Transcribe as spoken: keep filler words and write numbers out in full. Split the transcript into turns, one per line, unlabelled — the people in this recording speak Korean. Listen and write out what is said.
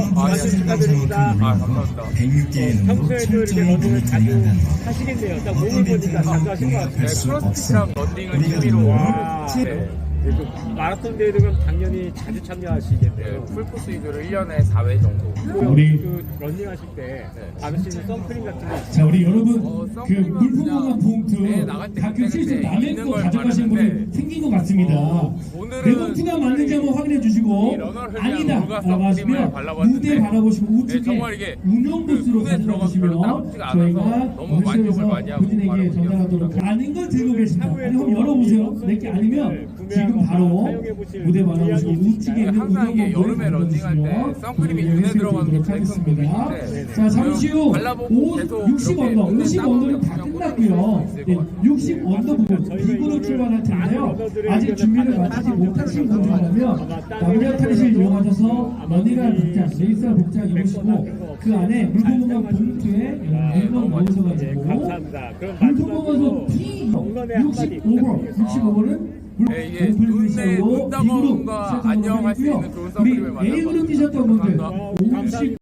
말씀 축하드립니다.
아, 감사합니다.
어, 평소에도 이렇게 러닝을 자주 하시겠네요. 딱 몸을 보니까 자주 하신 것 같아요.
네, 크로스핏이랑 런닝을 취미로.
와,
네.
네. 그래도 마라톤 대회도 그럼 당연히 자주 참여하시겠네요.
네, 풀코스 위주로 일 년에 사 회 정도.
우리 그 러닝 하실 때 바르시는 선크림 같은 거
자, 우리 여러분,
어,
그
선크림은
물품
그냥
공간 봉투
네, 나갈 때
가끔
그때
실수
그때
남의
있는
거
걸
가져가시는 분이
말하는데,
생긴 것 같습니다.
어, 오늘은
내 봉투가 맞는지 한번 확인해 주시고
이 러너를 위한
아니다
물과
라고
선크림을
하시면
발라봤는데,
무대 바라보시고
네,
우측에
정말 이게
운영
그
부스로
눈에
가져가
들어가서 별로
주시면
따갑지가
저희가
않아서 너무 만족을 많이 하고
본인에게
말하고
전달하도록
있습니다.
아는 걸 들고 계신다. 아니, 한번 열어보세요. 내게 아니면 지금 바로 무대 바라보시고 우측에 있는
항상 이게
운영
여름에
부스에
런닝할 때 선크림이 눈에 들어가는 게 제일 큰 고민인데,
자, 잠시 후
발라보고 계속
육십
이렇게
언더,
눈에
오십
땀을
언더는 다
그냥
끝났고요.
꽂을 수 있을
예,
것 같아요.
육십 언더 부분 빅으로 출발할 텐데요. 아직 준비를 마치지 못하신 분들이라면 남자 탈의실 이용하셔서 러닝할 복장, 레이스할 복장 입으시고 그 안에 물품 공간 봉투에 물건 넣으셔가지고
감사합니다. 그럼
물품
마지막으로
공간에서 P
응원의 한마디
육십오 번, 육십오 번은
네, 이게 눈에 눈 따가움과 안녕할 수 있는 그런 선크림을
우리 A그룹 뛰셨던 분들
감사합니다.
오십